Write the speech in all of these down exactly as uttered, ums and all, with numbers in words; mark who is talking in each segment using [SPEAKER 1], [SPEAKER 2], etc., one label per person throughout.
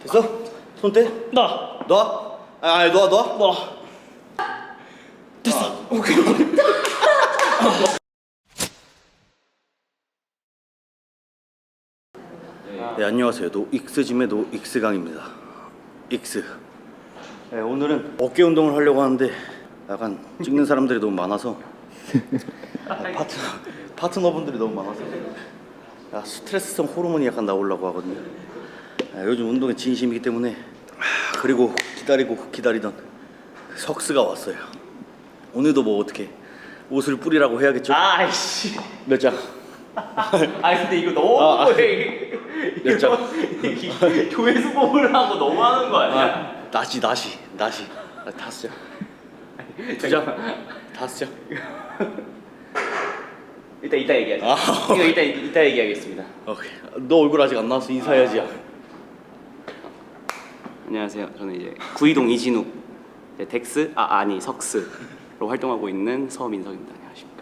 [SPEAKER 1] 됐어? 손 떼?
[SPEAKER 2] 나.
[SPEAKER 1] 놔? 아, 아니 놔 놔?
[SPEAKER 2] 나. 됐어.
[SPEAKER 1] 아.
[SPEAKER 2] 오케이.
[SPEAKER 1] 네, 안녕하세요. 노익스짐의 노익스강입니다. 익스. 네, 오늘은 어깨 운동을 하려고 하는데 약간 찍는 사람들이 너무 많아서 파트너, 파트너분들이 너무 많아서 야, 스트레스성 호르몬이 약간 나오려고 하거든요. 야, 요즘 운동에 진심이기 때문에 아, 그리고 기다리고 기다리던 석스가 왔어요. 오늘도 뭐 어떻게 옷을 뿌리라고 해야겠죠?
[SPEAKER 2] 아이씨.
[SPEAKER 1] 몇 장?
[SPEAKER 2] 아 근데 이거 너무
[SPEAKER 1] 아, 아.
[SPEAKER 2] 해.
[SPEAKER 1] 몇 장?
[SPEAKER 2] 조회수 뽑으려고 너무 하는 거 아니야?
[SPEAKER 1] 아, 나시 나시 나시 아, 다섯 장. 두 장? 다섯 장?
[SPEAKER 2] 이따 이따 얘기하자.
[SPEAKER 1] 아.
[SPEAKER 2] 이거 이따 이따 얘기하겠습니다.
[SPEAKER 1] 오케이. 너 얼굴 아직 안 나와서 인사해야지.
[SPEAKER 2] 안녕하세요. 저는 이제 구이동 이진욱, 네, 덱스 아 아니 석스로 활동하고 있는 서민석입니다. 안녕하십니까.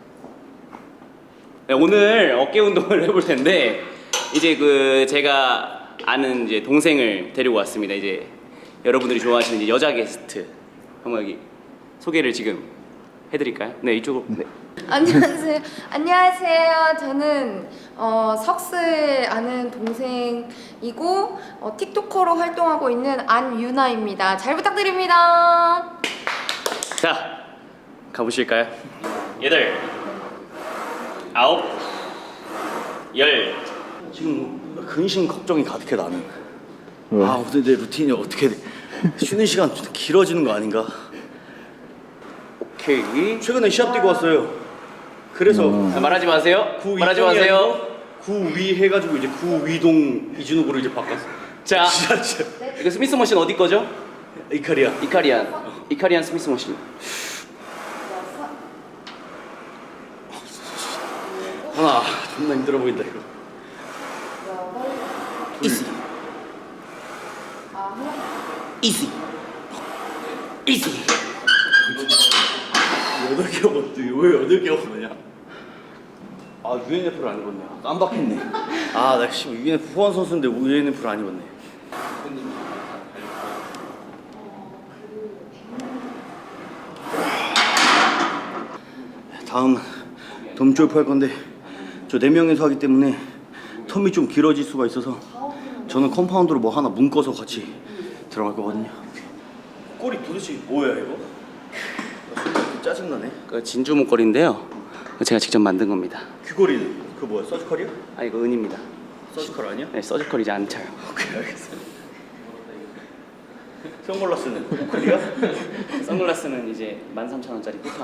[SPEAKER 2] 네, 오늘 어깨 운동을 해볼 텐데 이제 그 제가 아는 이제 동생을 데리고 왔습니다. 이제 여러분들이 좋아하시는 이제 여자 게스트 한번 여기 소개를 지금 해드릴까요? 네 이쪽으로. 네.
[SPEAKER 3] 안녕하세요. 안녕하세요. 저는 어, 석스의 아는 동생이고 어, 틱토커로 활동하고 있는 안유나입니다. 잘 부탁드립니다.
[SPEAKER 2] 자 가보실까요? 여덟, 아홉, 열.
[SPEAKER 1] 지금 근심 걱정이 가득해 나는.
[SPEAKER 4] 왜?
[SPEAKER 1] 아 오늘 내 루틴이 어떻게 돼? 쉬는 시간 좀 길어지는 거 아닌가?
[SPEAKER 2] 오케이.
[SPEAKER 1] 최근에 시합 뛰고 왔어요. 그래서
[SPEAKER 4] 음.
[SPEAKER 2] 아, 말하지 마세요.
[SPEAKER 1] 구
[SPEAKER 2] 말하지
[SPEAKER 1] 이동이
[SPEAKER 2] 마세요.
[SPEAKER 1] 아니고 구위 해가지고 이제 구위동 이준욱으로 이제 바꿨어.
[SPEAKER 2] 자,
[SPEAKER 1] 진짜 진짜.
[SPEAKER 2] 이거 스미스 머신 어디 거죠?
[SPEAKER 1] 이카리아.
[SPEAKER 2] 이카리안. 이카리안 스미스 머신.
[SPEAKER 1] 하나 존나 힘들어 보인다 이거.
[SPEAKER 2] 이시. 이시. 이시.
[SPEAKER 1] 여덟 개 먹었지. 왜 여덟 개 먹었냐? 아 유엔에프를 안 입었네. 깜빡했네. 아나 씨 유엔에프 후원 선수인데 유엔에프를 안 입었네. 다음 덤졸프 할 건데 저 네 명이서 하기 때문에 텀이 좀 길어질 수가 있어서 저는 컴파운드로 뭐 하나 묶어서 같이 들어갈 거거든요. 꼬리 도대체 뭐야 이거? 짜증나네.
[SPEAKER 2] 그 진주 목걸이인데요. 제가 직접 만든 겁니다.
[SPEAKER 1] 귀걸이는 그 뭐야? 서지컬이야?
[SPEAKER 2] 아 이거 은입니다.
[SPEAKER 1] 서지컬 아니야?
[SPEAKER 2] 네, 서지컬이지 않죠.
[SPEAKER 1] 오케이 알겠어. 선글라스는 오클리야?
[SPEAKER 2] 선글라스는 이제 만 삼천 원짜리 쿠팡.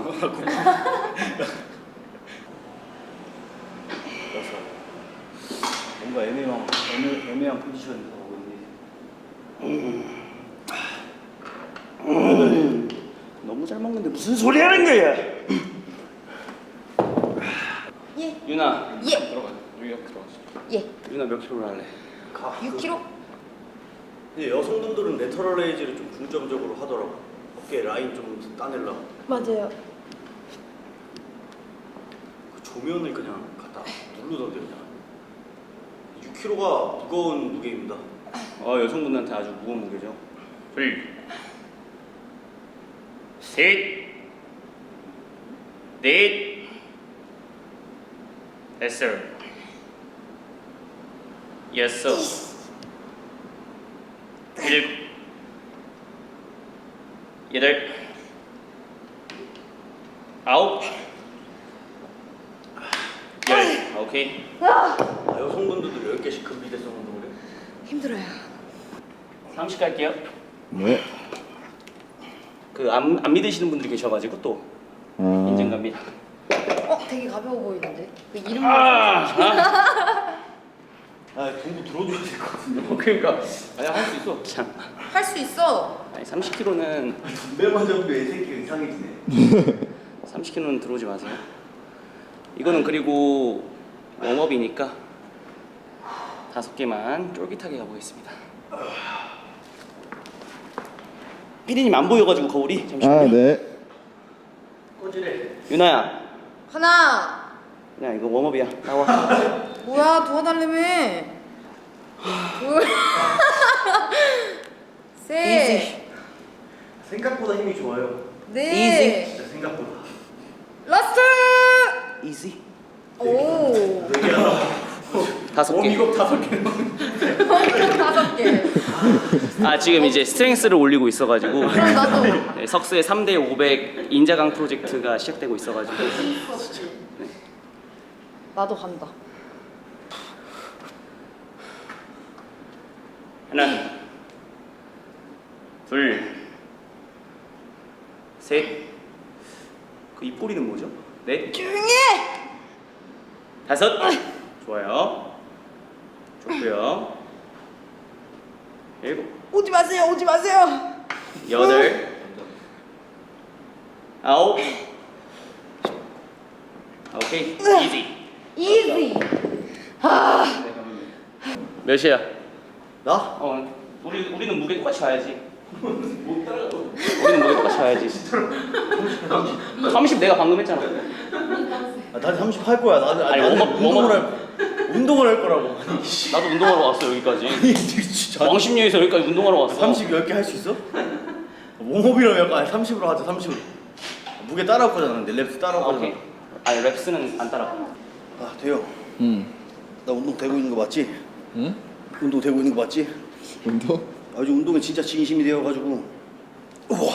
[SPEAKER 1] 뭔가 애매한 애매, 애매한 포지션에서 하고 있네.
[SPEAKER 2] 너무 잘 먹는데 무슨 소리 하는 거야?
[SPEAKER 3] 예.
[SPEAKER 2] 유나.
[SPEAKER 3] 예.
[SPEAKER 2] 들어가. 여기 들어가시죠.
[SPEAKER 3] 예.
[SPEAKER 2] 유나 몇 킬로로 할래?
[SPEAKER 1] 가.
[SPEAKER 3] 육 킬로그램.
[SPEAKER 1] 근데 여성분들은 레터럴 레이즈를 좀 중점적으로 하더라고. 어깨 라인 좀 따내려고.
[SPEAKER 3] 맞아요.
[SPEAKER 1] 그 조면을 그냥 갖다 누르던데 그냥. 육 킬로그램가 무거운 무게입니다.
[SPEAKER 2] 어 여성분들한테 아주 무거운 무게죠. 둘, 셋, 넷, 다섯, 여섯, 일곱, 여덟, 아홉, 열. 오케이.
[SPEAKER 1] 아, 여성분들도 열 개씩 금비대성 운동을 해?
[SPEAKER 3] 힘들어요.
[SPEAKER 2] 삼십 갈게요.
[SPEAKER 4] 네.
[SPEAKER 2] 그 안 안 믿으시는 분들이 계셔가지고 또
[SPEAKER 4] 아.
[SPEAKER 2] 인증갑니다.
[SPEAKER 3] 어, 되게 가벼워 보이는데. 그 이름
[SPEAKER 2] 아, 아.
[SPEAKER 1] 아 동부 들어줘야 될 것 같은데.
[SPEAKER 2] 그러니까 아니 할 수 있어. 참.
[SPEAKER 3] 할수 있어.
[SPEAKER 2] 아니 삼십 킬로그램는
[SPEAKER 1] 분배만 잡으면 애 새끼가 이상해지네.
[SPEAKER 2] 삼십 킬로그램는 들어오지 마세요. 이거는 그리고 웜업이니까 다섯 개만 쫄깃하게 가보겠습니다. 피디님 안 보여가지고 거울이 잠시만요.
[SPEAKER 4] 아, 네.
[SPEAKER 1] 꼬지래.
[SPEAKER 2] 유나야,
[SPEAKER 3] 하나.
[SPEAKER 2] 야 이거 웜업이야. 나와.
[SPEAKER 3] 뭐야 도와달라며. 둘. 셋,
[SPEAKER 1] 생각보다 힘이 좋아요.
[SPEAKER 3] 넷,
[SPEAKER 1] 진짜 생각보다.
[SPEAKER 3] 라스트.
[SPEAKER 2] 이지.
[SPEAKER 3] 오.
[SPEAKER 2] 다섯 개.
[SPEAKER 1] 워밍업 다섯 개.
[SPEAKER 3] 다섯 개.
[SPEAKER 2] 아 지금 이제 스트렝스를 올리고 있어가지고
[SPEAKER 3] 그럼 나도.
[SPEAKER 2] 네, 석수의 삼 대 오백 인자강 프로젝트가 시작되고 있어가지고
[SPEAKER 3] 나도 간다.
[SPEAKER 2] 하나, 둘, 셋. 그 입꼬리는 뭐죠? 넷,
[SPEAKER 3] 조용히 해.
[SPEAKER 2] 다섯. 좋아요. 좋고요. 일곱,
[SPEAKER 3] 오지 마세요. 오지 마세요.
[SPEAKER 2] 여덟, 아홉. 오케이. 이지.
[SPEAKER 3] 이지. 아.
[SPEAKER 2] 몇이야?
[SPEAKER 1] 나?
[SPEAKER 2] 어, 우리 우리는 무게 똑같이 가야지. 못 따라가. 우리는 무게 똑같이 가야지. 삼십 내가 방금 했잖아.
[SPEAKER 1] 아, 나도 삼십 할 거야. 나도
[SPEAKER 2] 아니,
[SPEAKER 1] 나는
[SPEAKER 2] 워머-
[SPEAKER 1] 운동을
[SPEAKER 2] 워머-
[SPEAKER 1] 할 운동을 할 거라고. 아니 씨.
[SPEAKER 2] 나도 운동하러 왔어 여기까지.
[SPEAKER 1] 진짜.
[SPEAKER 2] 왕십리에서 여기까지 운동하러 왔어.
[SPEAKER 1] 삼십 열 개 할 수 있어? 웜업이라면 약간 아니, 삼십으로 하자. 삼십으로. 무게 따라올 거잖아. 근데 랩스 따라올
[SPEAKER 2] 아,
[SPEAKER 1] 거잖아.
[SPEAKER 2] 오케이. 아니 랩스는 안 따라.
[SPEAKER 1] 아, 돼요.
[SPEAKER 4] 응.
[SPEAKER 1] 나 운동 되고 있는 거 맞지?
[SPEAKER 4] 응?
[SPEAKER 1] 운동 되고 있는 거 맞지?
[SPEAKER 4] 운동?
[SPEAKER 1] 아, 요즘 운동에 진짜 진심이 되어 가지고. 우와.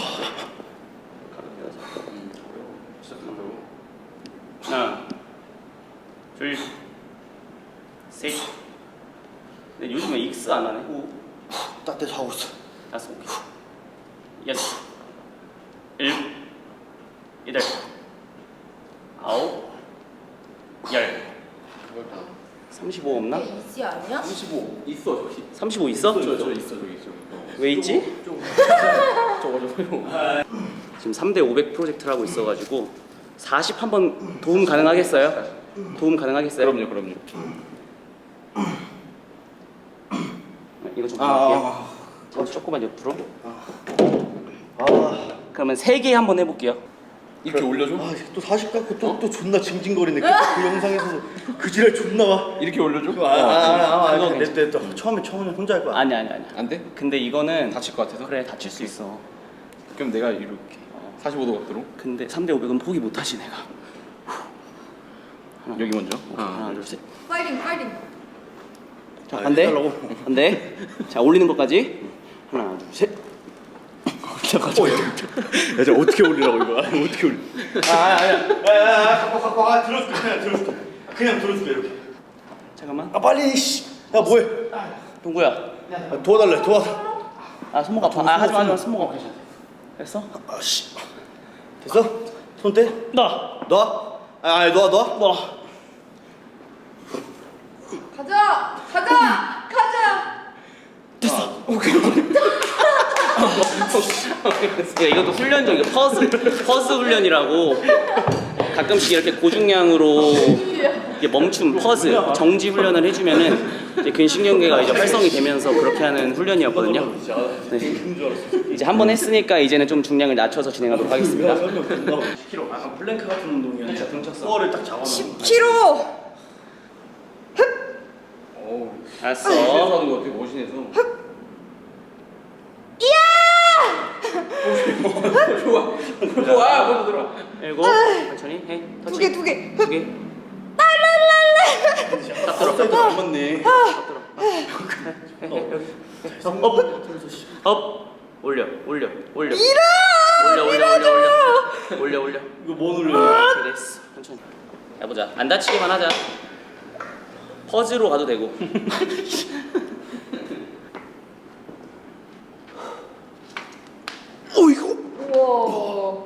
[SPEAKER 2] 하나, 둘, 셋. 근데 요즘에 익스 안 하네. 오,
[SPEAKER 1] 따뜻해서 하고 있어.
[SPEAKER 2] 다섯, 여섯, 일곱, 여덟, 아홉, 열. 삼십오 없나?
[SPEAKER 3] 이지 아니야?
[SPEAKER 4] 삼십오 있어 저기.
[SPEAKER 2] 삼십오 있어?
[SPEAKER 4] 저, 저 있어 저기 있어.
[SPEAKER 2] 왜 있지?
[SPEAKER 4] 저거 저거.
[SPEAKER 2] 지금 삼 대 오백 프로젝트를 하고 있어가지고 사십 한번 도움 가능하겠어요? 도움 가능하겠어요?
[SPEAKER 4] 그럼요 그럼요.
[SPEAKER 2] 이거 좀
[SPEAKER 1] 아,
[SPEAKER 2] 할게요. 저 조금만 옆으로.
[SPEAKER 1] 아,
[SPEAKER 2] 그러면 세 개 한번 해볼게요.
[SPEAKER 4] 이렇게 올려줘?
[SPEAKER 1] 아, 또 사십 갖고 또 또 존나 징징거리네. 그, 그 영상에서 그 지랄 존나 와.
[SPEAKER 4] 이렇게 올려줘?
[SPEAKER 1] 아, 아, 아, 아,
[SPEAKER 2] 그거
[SPEAKER 1] 아, 내, 내, 또 처음에 처음에 혼자 할 거야.
[SPEAKER 2] 아니 아니 아니.
[SPEAKER 4] 안 돼?
[SPEAKER 2] 근데 이거는
[SPEAKER 4] 다칠 것 같아서?
[SPEAKER 2] 그래 다칠 수 있어.
[SPEAKER 4] 그럼 내가 이렇게 사십오 도 각도로
[SPEAKER 2] 근데 삼 대 오백은 포기 못하지 내가.
[SPEAKER 4] 여기 먼저.
[SPEAKER 2] 하나 둘 셋.
[SPEAKER 3] 파이팅 파이팅.
[SPEAKER 2] 자
[SPEAKER 1] 아,
[SPEAKER 2] 반대.
[SPEAKER 1] 해달라고?
[SPEAKER 2] 반대. 자 올리는 것까지. 하나 둘 셋.
[SPEAKER 1] 어, 야, 야, 저 어떻게 올리라고 이거? 아니, 어떻게 올리? 아, 아, 아니야. 아, 아, 아, 갖고 갖고 아, 들어줄게. 그냥 들어줄게. 그냥 들어줄게 이렇게.
[SPEAKER 2] 잠깐만.
[SPEAKER 1] 아, 빨리 씨. 야, 뭐해?
[SPEAKER 2] 동구야.
[SPEAKER 1] 아, 도와달래. 도와.
[SPEAKER 2] 아 손목 아파. 아 하지마 하지마 손목 아파. 됐어?
[SPEAKER 1] 아, 씨. 됐어? 손 떼.
[SPEAKER 2] 나.
[SPEAKER 1] 놔. 아, 아니, 놔, 놔.
[SPEAKER 2] 나.
[SPEAKER 3] 가자. 가자. 가자.
[SPEAKER 2] 야, 이것도 훈련적이야. 퍼스 퍼스 훈련이라고. 가끔씩 이렇게 고중량으로 이게 멈춤 퍼스 정지 훈련을 해주면은 이제 근신경계가 이제 활성이 되면서 그렇게 하는 훈련이었거든요. 네. 이제 한 번 했으니까 이제는 좀 중량을 낮춰서 진행하도록 하겠습니다.
[SPEAKER 1] 십 킬로그램. 아, 플랭크 같은 운동이야. 진짜 등쳤어. 코어를 딱 잡아.
[SPEAKER 3] 십 킬로그램.
[SPEAKER 4] 어우.
[SPEAKER 2] 알았어.
[SPEAKER 4] 뒤에서 하는 거 되게 머신해서. 좋아. 좋아. 먼저 들어.
[SPEAKER 2] 일곱. 천천히 해.
[SPEAKER 3] 두 개 두 개.
[SPEAKER 2] 두 개.
[SPEAKER 1] 딱 들어. 딱 들어. 맞네.
[SPEAKER 2] 업, 업, 업, 올려, 올려, 올려, 올려, 올려, 올려, 올려, 올려, 올려.
[SPEAKER 1] 이거 뭐 눌러?
[SPEAKER 2] 그래, 됐어. 천천히. 해보자. 안 다치기만 하자. 퍼즈로 가도 되고.
[SPEAKER 1] 어이구.
[SPEAKER 3] 우와.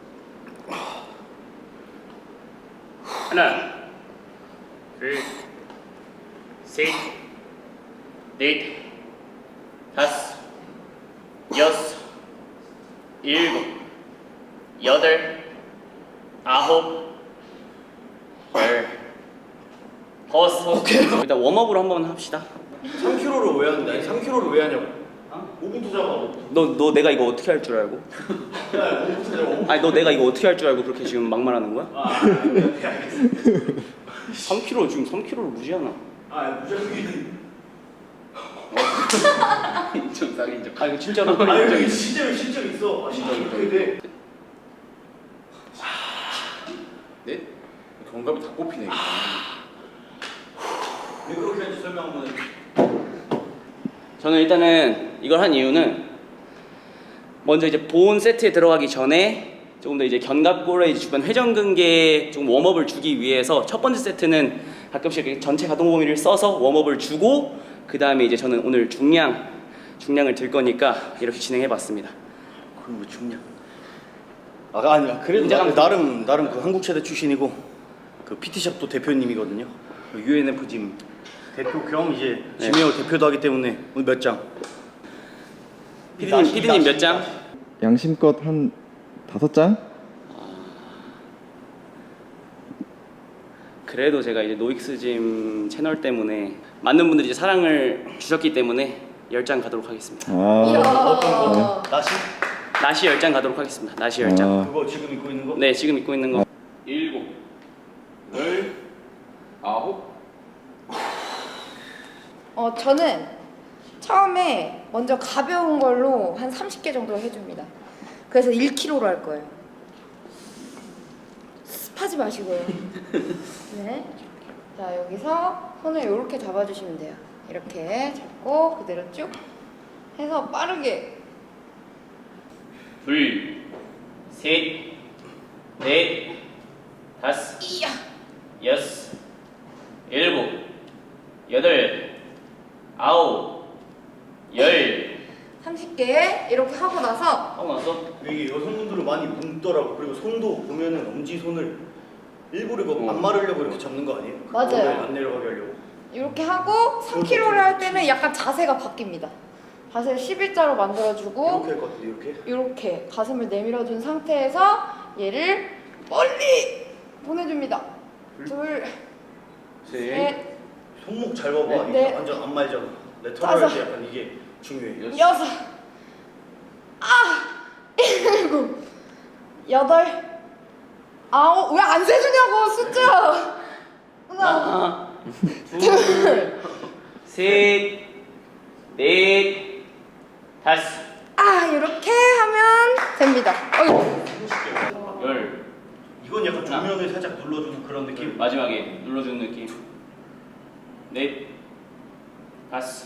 [SPEAKER 2] 하나, 둘, 셋, 넷, 다섯, 여섯, 일곱, 여덟, 아홉, 열, 버섯. 일단 웜업으로 한번 합시다.
[SPEAKER 1] 삼 킬로그램를 왜 하는데? 아니, 삼 킬로그램를 왜 하냐고. 오 분 투자가 오 분.
[SPEAKER 2] 너, 너 내가 이거 어떻게 할 줄 알고?
[SPEAKER 1] 야, 오 분 투자가 오 분.
[SPEAKER 2] 아니 너 내가 이거 어떻게 할 줄 알고 그렇게 지금 막말하는 거야?
[SPEAKER 1] 아, 오케이, 알겠어.
[SPEAKER 2] 삼 킬로그램 지금 삼 킬로그램를 무시하나?
[SPEAKER 1] 아, 무조건.
[SPEAKER 2] 인정.
[SPEAKER 4] 낙인 적.
[SPEAKER 2] 아 이거 진짜로
[SPEAKER 1] 아
[SPEAKER 2] 인정.
[SPEAKER 1] 여기 진짜 실적 있어. 아 진짜 근데
[SPEAKER 4] 네? 견갑이 다 꼽히네. 이거.
[SPEAKER 1] 왜 그렇게 하는지 설명 한번 해.
[SPEAKER 2] 저는 일단은 이걸 한 이유는 먼저 이제 보온 세트에 들어가기 전에 조금 더 이제 견갑골의 주변 회전근개에 좀 웜업을 주기 위해서 첫 번째 세트는 가끔씩 이렇게 전체 가동 범위를 써서 웜업을 주고 그 다음에 이제 저는 오늘 중량 중량을 들 거니까 이렇게 진행해봤습니다.
[SPEAKER 1] 그럼 뭐 중량? 아 아니야 그래도 나,
[SPEAKER 2] 인정합니다.
[SPEAKER 1] 나름 나름 그 한국체대 출신이고 그 피티샵도 대표님이거든요. 유엔에프 짐 대표 겸 이제
[SPEAKER 2] 네.
[SPEAKER 1] 지메어 대표도 하기 때문에 오늘 몇 장?
[SPEAKER 2] 피디님 피디님 몇 장?
[SPEAKER 5] 양심껏 한 다섯 장?
[SPEAKER 2] 그래도 제가 이제 노익스짐 채널 때문에 많은 분들이 이제 사랑을 주셨기 때문에 열 장 가도록 하겠습니다.
[SPEAKER 5] 아,
[SPEAKER 3] 이야.
[SPEAKER 1] 나시?
[SPEAKER 2] 나시 열 장 가도록 하겠습니다. 나시 열 장.
[SPEAKER 5] 아,
[SPEAKER 1] 그거 지금 입고 있는 거?
[SPEAKER 2] 네, 지금 입고 있는 거.
[SPEAKER 4] 일곱, 열, 아홉.
[SPEAKER 3] 어, 저는 처음에 먼저 가벼운 걸로 한 삼십 개 정도 해줍니다. 그래서 일 킬로그램로 할 거예요. 습하지 마시고요. 네. 자, 여기서 손을 이렇게 잡아주시면 돼요. 이렇게 잡고 그대로 쭉 해서 빠르게.
[SPEAKER 2] 둘, 셋, 넷, 다섯,
[SPEAKER 3] 이야.
[SPEAKER 2] 여섯, 일곱, 여덟, 아홉, 열.
[SPEAKER 3] 삼십 개 이렇게 하고 나서
[SPEAKER 2] 하고 나서
[SPEAKER 1] 이게 여성분들은 많이 뭉더라고. 그리고 손도 보면은 엄지 손을 일부러 이거
[SPEAKER 2] 어.
[SPEAKER 1] 안 마르려고 이렇게 잡는 거 아니에요?
[SPEAKER 3] 맞아요.
[SPEAKER 1] 안, 안 내려가게 하려고.
[SPEAKER 3] 이렇게 하고 삼 킬로그램를 할 때는 약간 자세가 바뀝니다. 자세를 십일자로 만들어주고
[SPEAKER 1] 이렇게 할 것 같은데 이렇게?
[SPEAKER 3] 이렇게 가슴을 내밀어준 상태에서 얘를 멀리 보내줍니다. 둘,
[SPEAKER 2] 셋,
[SPEAKER 3] 셋,
[SPEAKER 1] 손목 잘 봐봐.
[SPEAKER 3] 네,
[SPEAKER 1] 이게
[SPEAKER 3] 네.
[SPEAKER 1] 완전 안 말잖아. 레터럴
[SPEAKER 3] 다섯.
[SPEAKER 1] 할때 약간 이게 중요해.
[SPEAKER 3] 여섯, 아, 일곱, 여덟, 아홉. 왜 안 세주냐고 숫자. 하나,
[SPEAKER 2] 하나, 둘, 셋, 넷, 다섯,
[SPEAKER 3] 아, 이렇게 하면 됩니다. 어이구.
[SPEAKER 2] 열.
[SPEAKER 1] 이건 약간 조면을 살짝 눌러주는 그런 느낌.
[SPEAKER 2] 마지막에 눌러주는 느낌. 넷, 다섯,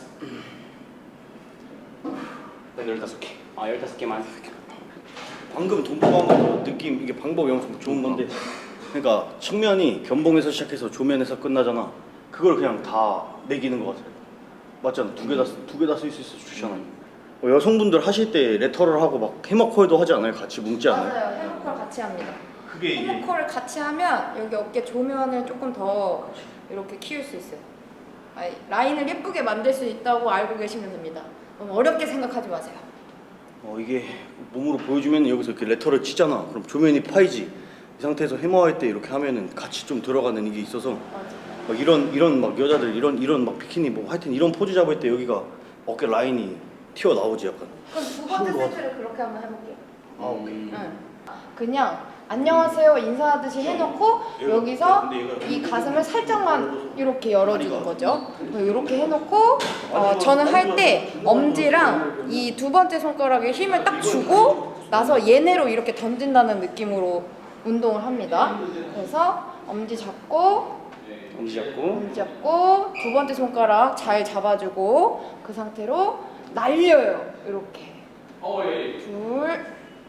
[SPEAKER 2] 열다섯 개. 아, 열다섯 개만.
[SPEAKER 1] 방금 돈보고 한거 느낌 이게 방법이 엄청 좋은 건데 그러니까 측면이 견봉에서 시작해서 조면에서 끝나잖아. 그걸 그냥 다 매기는 것 같아요. 맞잖아. 두 개 다 두 개 다 쓸 수 있어 주잖아요. 어, 여성분들 하실 때 레터럴 하고 막 해머컬도 하지 않아요? 같이 뭉지 않아요?
[SPEAKER 3] 맞아요. 해머컬 같이 합니다.
[SPEAKER 1] 그게 이게
[SPEAKER 3] 해머컬을 같이 하면 여기 어깨 조면을 조금 더 이렇게 키울 수 있어요. 아니, 라인을 예쁘게 만들 수 있다고 알고 계시면 됩니다. 너무 어렵게 생각하지 마세요.
[SPEAKER 1] 어 이게 몸으로 보여주면 여기서 이렇게 레터를 치잖아. 그럼 조면이 파이지. 이 상태에서 해머할 때 이렇게 하면은 같이 좀 들어가는 이게 있어서
[SPEAKER 3] 맞아.
[SPEAKER 1] 막 이런 이런 막 여자들 이런 이런 막 비키니 뭐 하여튼 이런 포즈 잡을 때 여기가 어깨 라인이 튀어 나오지 약간.
[SPEAKER 3] 그럼 두 번째
[SPEAKER 1] 그런 거
[SPEAKER 3] 세트를 그렇게 한번 해볼게요.
[SPEAKER 1] 아 오케이.
[SPEAKER 3] 응. 그냥 안녕하세요 인사하듯이 해놓고 여기서 이 가슴을 살짝만 이렇게 열어주는 거죠. 이렇게 해놓고 어, 저는 할 때 엄지랑 이 두 번째 손가락에 힘을 딱 주고 나서 얘네로 이렇게 던진다는 느낌으로 운동을 합니다. 그래서 엄지 잡고
[SPEAKER 2] 엄지 잡고.
[SPEAKER 3] 엄지 잡고 두 번째 손가락 잘 잡아주고 그 상태로 날려요. 이렇게
[SPEAKER 4] 어, 예.
[SPEAKER 3] 둘,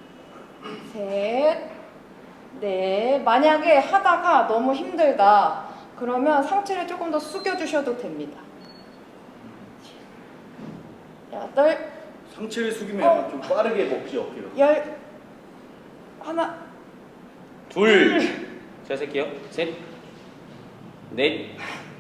[SPEAKER 3] 셋, 넷. 만약에 하다가 너무 힘들다 그러면 상체를 조금 더 숙여주셔도 됩니다. 여덟,
[SPEAKER 1] 상체를 숙이면
[SPEAKER 3] 어.
[SPEAKER 1] 약간 좀 빠르게 먹지 어깨가.
[SPEAKER 3] 열, 하나,
[SPEAKER 2] 둘. 제가 셀게요. 셋, 넷,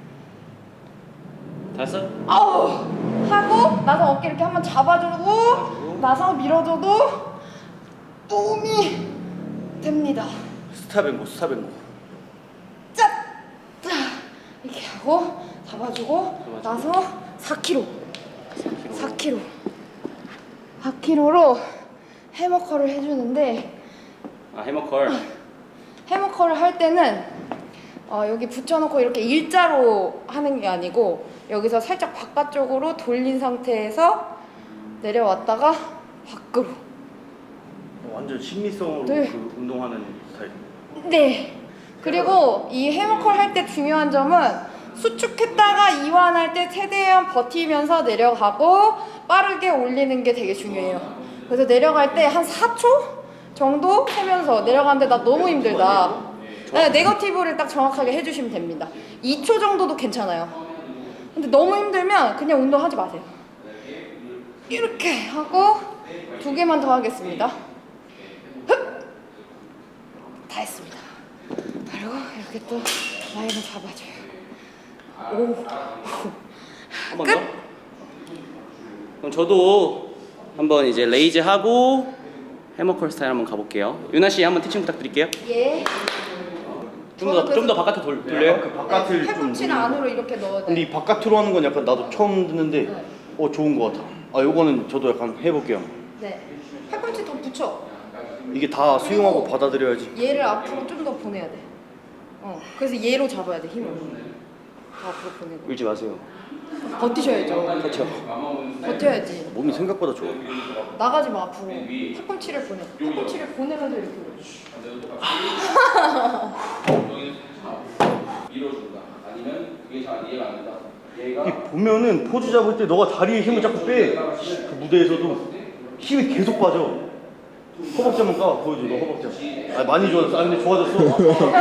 [SPEAKER 2] 다섯.
[SPEAKER 3] 아우 하고 나서 어깨 이렇게 한번 잡아주고 나서 밀어줘도 도움이 됩니다.
[SPEAKER 1] 스타뱅고 스타뱅고.
[SPEAKER 3] 짠! 짜! 이렇게 하고 잡아주고 나서 사 킬로그램 사 킬로그램 사 킬로그램로 해머컬을 해주는데
[SPEAKER 2] 아, 해머컬.
[SPEAKER 3] 해머컬을 할 때는 어, 여기 붙여놓고 이렇게 일자로 하는 게 아니고 여기서 살짝 바깥쪽으로 돌린 상태에서 내려왔다가 밖으로.
[SPEAKER 1] 완전 심리성으로
[SPEAKER 3] 네.
[SPEAKER 1] 그 운동하는 스타일.
[SPEAKER 3] 네. 그리고 이 해머컬 할 때 중요한 점은 수축했다가 이완할 때 최대한 버티면서 내려가고 빠르게 올리는 게 되게 중요해요. 그래서 내려갈 때 한 사 초 정도 세면서 내려가는데 나 너무 힘들다. 네, 네거티브를 딱 정확하게 해주시면 됩니다. 이 초 정도도 괜찮아요. 근데 너무 힘들면 그냥 운동하지 마세요. 이렇게 하고 두 개만 더 하겠습니다. 흡! 다 했습니다. 그리고 이렇게 또 라인을 잡아줘요. 오.
[SPEAKER 2] 한 번 더. 그럼 저도 한번 이제 레이즈 하고 해머컬 스타일 한번 가볼게요. 유나 씨 한번 티칭 부탁드릴게요.
[SPEAKER 3] 예.
[SPEAKER 2] 좀 더 좀 더 바깥으로 돌, 돌려요.
[SPEAKER 1] 그 바깥을 좀.
[SPEAKER 3] 팔꿈치는 안으로 이렇게 넣어야
[SPEAKER 1] 근데
[SPEAKER 3] 돼.
[SPEAKER 1] 이 바깥으로 하는 건 약간 나도 처음 듣는데
[SPEAKER 3] 네.
[SPEAKER 1] 어 좋은 거 같아. 아 요거는 저도 약간 해볼게요.
[SPEAKER 3] 네. 팔꿈치 더 붙여.
[SPEAKER 1] 이게 다 수용하고 받아들여야지.
[SPEAKER 3] 얘를 앞으로 좀 더 보내야 돼. 어. 그래서 얘로 잡아야 돼 힘을. 더 앞으로 보내고.
[SPEAKER 2] 울지 마세요.
[SPEAKER 3] 버티셔야죠.
[SPEAKER 1] 그렇죠.
[SPEAKER 3] 버텨야지.
[SPEAKER 1] 몸이 생각보다 좋아.
[SPEAKER 3] 나가지 마 앞으로. 팔꿈치를 보내. 팔꿈치를 보내면서 이렇게 올려.
[SPEAKER 4] 밀어준다. 아니면 그게 잘 이해가 안 된다. 얘가
[SPEAKER 1] 이 보면은 포즈 잡을 때 너가 다리에 힘을 자꾸 빼. 그 무대에서도 힘이 계속 빠져. 허벅지만 까 보여줘. 너 허벅지. 아 많이 좋아졌어. 아 근데 좋아졌어.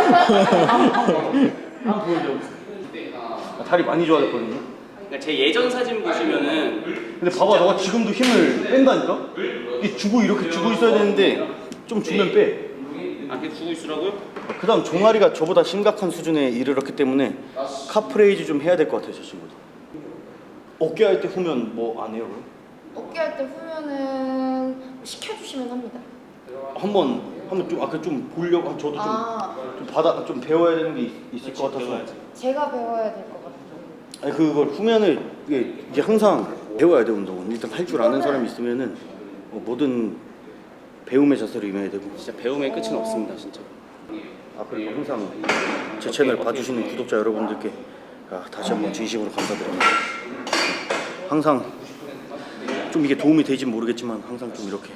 [SPEAKER 1] 한번 보여줘. 아, 다리 많이 좋아졌거든요.
[SPEAKER 2] 그러니까 제 예전 사진 보시면은
[SPEAKER 1] 근데 봐봐, 너가 지금도 힘을 뺀다니까? 이게 주고 이렇게 주고 있어야 되는데 좀 주면 빼.
[SPEAKER 2] 아 계속 주고 있으라고요?
[SPEAKER 1] 그 다음 종아리가 저보다 심각한 수준에 이르렀기 때문에 카프레이즈 좀 해야 될 것 같아요, 저 친구도. 어깨 할 때 후면 뭐 안 해요, 그럼?
[SPEAKER 3] 어깨 할 때 후면은 시켜주시면 합니다.
[SPEAKER 1] 한번 한번 좀 아까 좀 보려고 저도 좀,
[SPEAKER 3] 아.
[SPEAKER 1] 좀 받아 좀 배워야 되는 게 있, 있을 것 같아서.
[SPEAKER 3] 제가 배워야 될 것 같아요.
[SPEAKER 1] 아니 그걸 후면을 이게, 이게 항상 배워야 돼 운동은. 일단 할 줄 아는 사람이 있으면은 뭐 뭐든 배움의 자세로 임해야 되고.
[SPEAKER 2] 진짜 배움의 끝은 없습니다, 진짜.
[SPEAKER 1] 아 그리고 항상 제 채널 봐주시는 구독자 여러분들께 아, 다시 한번 진심으로 감사드립니다. 항상 좀 이게 도움이 될지 모르겠지만 항상 좀 이렇게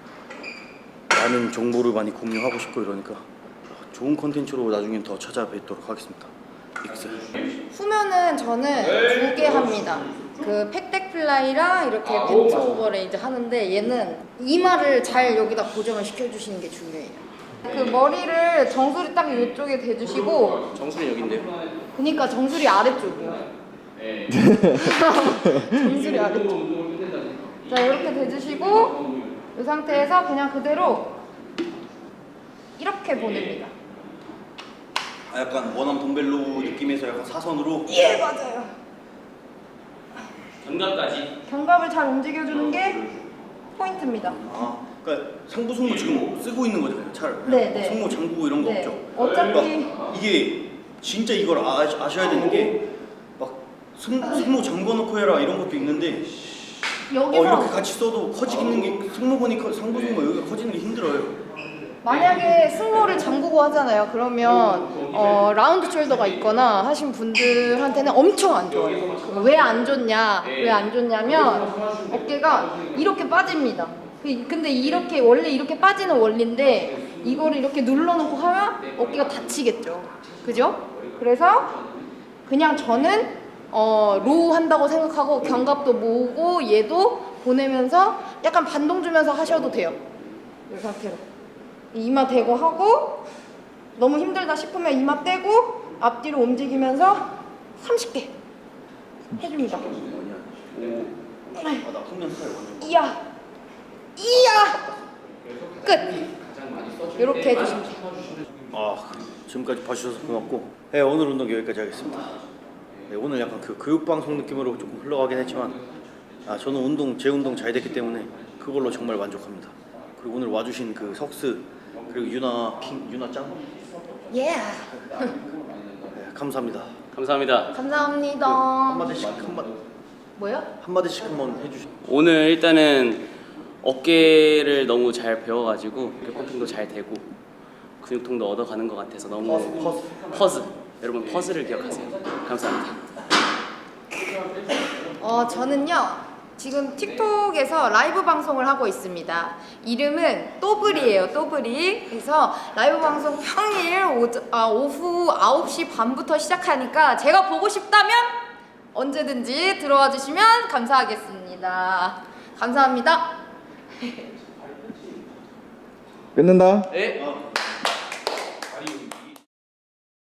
[SPEAKER 1] 많은 정보를 많이 공유하고 싶고 이러니까 좋은 컨텐츠로 나중엔 더 찾아뵙도록 하겠습니다. 익스.
[SPEAKER 3] 후면은 저는 두 개 합니다. 그 팩덱 플라이랑 이렇게 벤츠 오버레이즈 하는데 얘는 이마를 잘 여기다 고정을 시켜주시는 게 중요해요. 그 머리를 정수리 딱 이쪽에 대주시고,
[SPEAKER 2] 정수리 여기인데요.
[SPEAKER 3] 그니까 정수리 아래쪽이요. 정수리 아래쪽. 자 이렇게 대주시고 이 상태에서 그냥 그대로 이렇게 보냅니다.
[SPEAKER 1] 아, 약간 원암 덤벨로 느낌에서 약간 사선으로.
[SPEAKER 3] 예 맞아요.
[SPEAKER 2] 견갑까지.
[SPEAKER 3] 견갑을 잘 움직여주는 게 포인트입니다.
[SPEAKER 1] 아, 그러니까 상부 승모 지금 쓰고 있는 거잖아요. 잘.
[SPEAKER 3] 네, 네.
[SPEAKER 1] 승모 잠그고 이런 거
[SPEAKER 3] 네.
[SPEAKER 1] 없죠.
[SPEAKER 3] 어차피-
[SPEAKER 1] 그러니까 이게 진짜 이걸 아, 아셔야 되는 게 막 승모 잠궈놓고 해라 이런 것도 있는데 어,
[SPEAKER 3] 여기서
[SPEAKER 1] 이렇게 같이 써도 커지는 게 승모근이 커, 상부 승모 여기가 커지는 게 힘들어요.
[SPEAKER 3] 만약에 승모를 잠그고 하잖아요. 그러면 어, 라운드 숄더가 있거나 하신 분들한테는 엄청 안 좋아요. 왜 안 좋냐? 왜 안 좋냐면 어깨가 이렇게 빠집니다. 그- 근데 이렇게 원래 이렇게 빠지는 원리인데 이거를 이렇게 눌러놓고 하면 어깨가 다치겠죠. 그죠? 그래서 그냥 저는 어, 로우 한다고 생각하고 견갑도 모으고 얘도 보내면서 약간 반동 주면서 하셔도 돼요. 이 상태로. 이마 대고 하고 너무 힘들다 싶으면 이마 떼고 앞뒤로 움직이면서 삼십 개 해줍니다.
[SPEAKER 1] 아, 나 후면 스타일 완전.
[SPEAKER 3] 이야 이야 끝. 이렇게 해주시면 돼요.
[SPEAKER 1] 아, 지금까지 봐주셔서 고맙고, 네, 오늘 운동 여기까지 하겠습니다. 네, 오늘 약간 그 교육 방송 느낌으로 조금 흘러가긴 했지만, 아, 저는 운동 제 운동 잘 됐기 때문에 그걸로 정말 만족합니다. 그리고 오늘 와주신 그 석스 그리고 유나 킹 유나 짱,
[SPEAKER 3] 예.
[SPEAKER 1] 네, 감사합니다.
[SPEAKER 2] 감사합니다.
[SPEAKER 3] 감사합니다.
[SPEAKER 1] 한마디씩 한마
[SPEAKER 3] 뭐요?
[SPEAKER 1] 한마디씩 한번 해주시.
[SPEAKER 2] 오늘 일단은 어깨를 너무 잘 배워가지고 펌핑도 잘 되고 근육통도 얻어가는 것 같아서 너무
[SPEAKER 1] 퍼스, 퍼스.
[SPEAKER 2] 퍼즈 여러분 퍼즈를 기억하세요. 감사합니다.
[SPEAKER 3] 어 저는요 지금 틱톡에서 라이브 방송을 하고 있습니다. 이름은 또블이에요. 또블이. 그래서 라이브 방송 평일 오, 아, 오후 아홉 시 반부터 시작하니까 제가 보고 싶다면 언제든지 들어와 주시면 감사하겠습니다. 감사합니다.
[SPEAKER 5] 끊는다.
[SPEAKER 2] 네.
[SPEAKER 4] 다리